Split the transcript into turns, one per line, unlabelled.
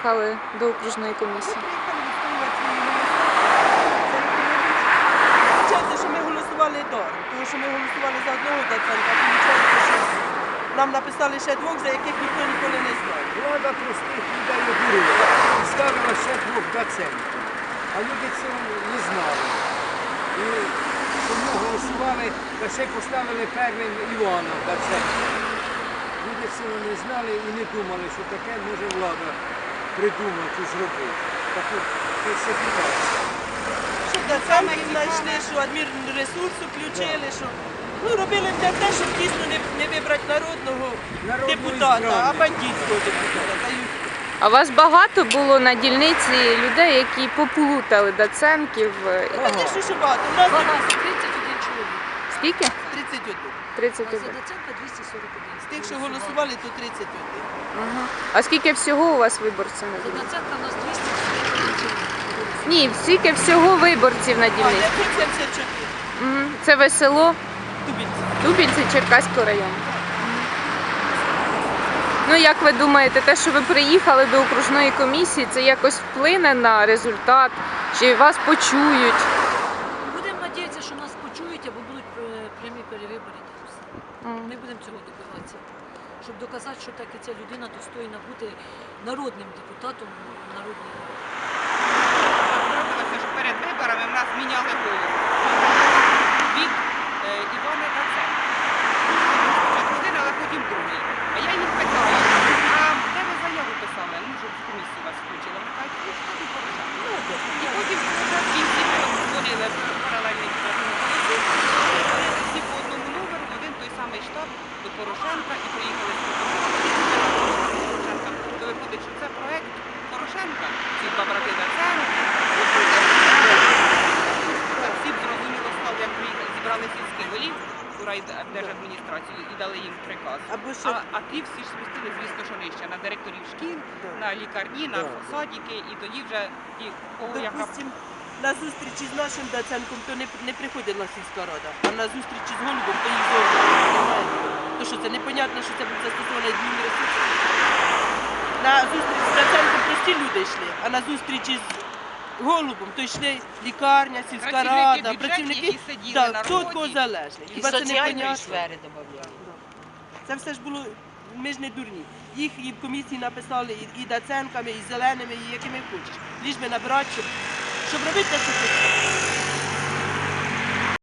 приїхали до окружної комісії?
Виходить, що ми голосували даром, тому що ми голосували за одного Даценка, а виходить, що нам написали ще двох, за яких ніхто ніколи не знає.
Влада простих людей обурила і ставила ще двох Даценків. А люди цього не знали. І тому голосували, та ще й поставили первим Івана Даценка. Люди цього не знали і не думали, що таке може влада придумати і зробити. Так от, це все відбувається.
Щоб Даценки знайшли, що адмінресурсу включили, що робили для те, щоб дійсно не вибрати народного депутата, а бандитського депутата.
А у вас багато було на дільниці людей, які поплутали Даценків?
Та те, що багато. У нас
31 чоловік.
Скільки?
31.
А
31.
за Даценка 241.
З тих, що голосували, то 31.
Ага. А скільки всього у вас виборців на
За
дільниці?
Даценка у нас 241 чоловік.
Ні, скільки всього виборців на
А,
дільниці?
974.
Мгм. Це ви село
Тубільці.
Дубільці Черкаського району. Ну, як ви думаєте, те, що ви приїхали до окружної комісії, це якось вплине на результат? Чи вас почують?
Будемо сподіватися, що нас почують або будуть прямі перевибори. Ми будемо цього добиватися. Щоб доказати, що так і ця людина достойна бути народним депутатом народної ради.
Трапилося, що перед виборами в нас міняли голову від Івана Даценка. Спочатку один, але потім другий. А я їх питаю, а де ви заяву писали? Ну, щоб в комісію вас включили. Вони кажуть, ну, що ти порушав? І потім в кінці ми створили паралельний комісію, всі по одному номеру, в один той самий штаб до Порошенка і приїхали з Порошенка. То виходить, що це проект Порошенка, ці два брати Даценка. Всі б зрозуміло стало, як приїхали, зібрали сільських голів у райдержадміністрацію і дали їм приказ. А ті всі ж спустили, звісно, що нижче, на директорів шкіл, на лікарні, на садики, і тоді вже ті, кого яка...
Допустим, на зустрічі з нашим Даценком то не приходила сільська рада, а на зустрічі з Голубом то їх зовсім немає. То що це непонятно, що це буде застосовано адмінресурсу. На зустріч з Даценком прості люди йшли, а на зустрічі з Голубом то йшли лікарня, сільська рада, працівники, хто від кого залежний. Хіба це непонятно? Це все ж було, ми ж не дурні. Їх і в комісії написали і Даценками, і зеленими, і якими хочеш. Ліж би набрати, щоб робити те, що хочеш.